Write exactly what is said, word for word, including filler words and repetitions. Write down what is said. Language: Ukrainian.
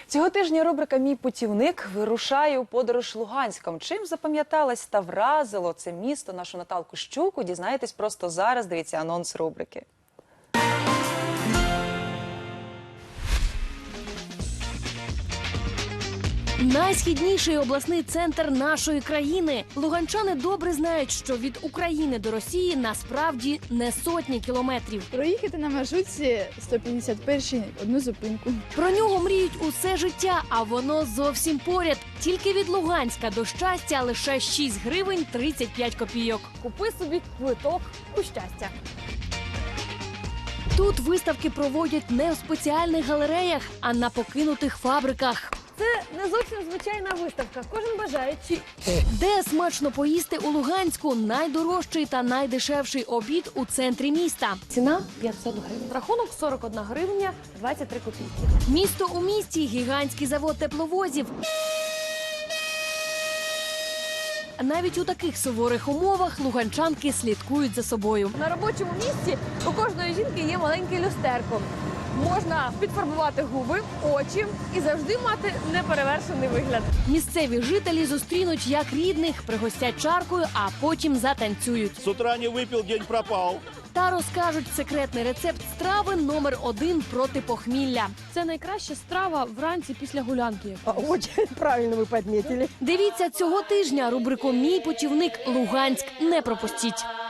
Цього тижня рубрика «Мій путівник» вирушає у подорож Луганськом. Чим запам'яталось та вразило це місто нашу Наталку Щуку, дізнаєтесь просто зараз. Дивіться анонс рубрики. Найсхідніший обласний центр нашої країни. Луганчани добре знають, що від України до Росії насправді не сотні кілометрів. Проїхати на маршрутці сто п'ятдесят перший одну зупинку. Про нього мріють усе життя, а воно зовсім поряд. Тільки від Луганська до Щастя лише шість гривень тридцять п'ять копійок. Купи собі квиток у Щастя. Тут виставки проводять не в спеціальних галереях, а на покинутих фабриках. Це не зовсім звичайна виставка. Кожен бажаючий. Де смачно поїсти у Луганську? Найдорожчий та найдешевший обід у центрі міста. Ціна п'ятсот гривень. Рахунок сорок одна гривня двадцять три копійки. Місто у місті, гігантський завод тепловозів. Навіть у таких суворих умовах луганчанки слідкують за собою. На робочому місці у кожної жінки є маленьке люстерко. Можна підфарбувати губи, очі і завжди мати неперевершений вигляд. Місцеві жителі зустрінуть як рідних, пригостять чаркою, а потім затанцюють. С утра не выпил, день пропал. Та розкажуть секретний рецепт страви номер один проти похмілля. Це найкраща страва вранці після гулянки. Очень правильно вы подметили. Дивіться цього тижня рубрику «Мій путівник Луганськ». Не пропустіть.